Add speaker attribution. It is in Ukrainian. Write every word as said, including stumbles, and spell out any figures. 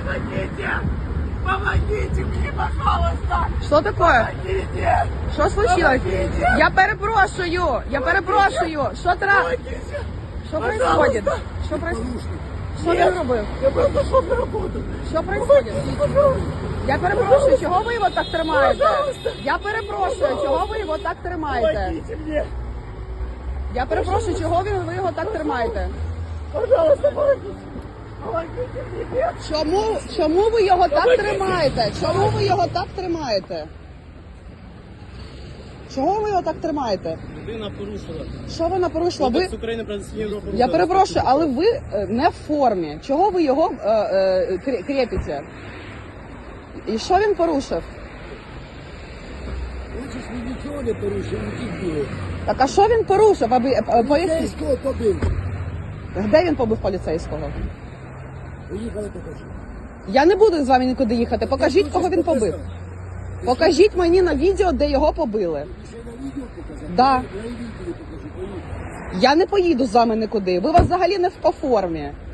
Speaker 1: Помогите! Помогите мне, пожалуйста!
Speaker 2: Що таке?
Speaker 1: Помогите!
Speaker 2: Що случилось?
Speaker 1: Помогите!
Speaker 2: Я перепрошую, я перепрошую. Що тра...
Speaker 1: Помогите!
Speaker 2: Що
Speaker 1: Пожалуйста!
Speaker 2: происходит? Що происходит? Що
Speaker 1: Нет.
Speaker 2: він робив?
Speaker 1: Я просто шел на работу!
Speaker 2: Що происходит?
Speaker 1: Пожалуйста!
Speaker 2: Я перепрошую, чого ви його так тримаєте?
Speaker 1: Пожалуйста.
Speaker 2: Я перепрошую, чого ви його так тримаєте?
Speaker 1: Помогите мне!
Speaker 2: Я перепрошую, чого ви ви його так тримаєте?
Speaker 1: Пожалуйста, помогите! Помогите мне!
Speaker 2: Чому, чому ви його так тримаєте? Чому ви його так тримаєте? Чого ви його так тримаєте?
Speaker 3: Людина порушила.
Speaker 2: Що вона порушила? Ви...
Speaker 3: Кодекс України про адміністративні правопорушення.
Speaker 2: Я перепрошую, але ви е, не в формі. Чого ви його е, е, крє- крепите? І що він порушив?
Speaker 4: Хочеш, він нічого не порушив, він тільки
Speaker 2: Так а що він порушив? Аби, е, е, поясніть.
Speaker 4: Поліцейського побив.
Speaker 2: Де він побив поліцейського?
Speaker 4: Поїхали покажу.
Speaker 2: Я не буду з вами нікуди їхати. Покажіть, кого він побив. Покажіть мені на відео, де його побили.
Speaker 4: Ще на відео показати?
Speaker 2: Да.
Speaker 4: Я і відео покажу, поїхали.
Speaker 2: Я не поїду з вами нікуди. Ви вас взагалі не в по формі.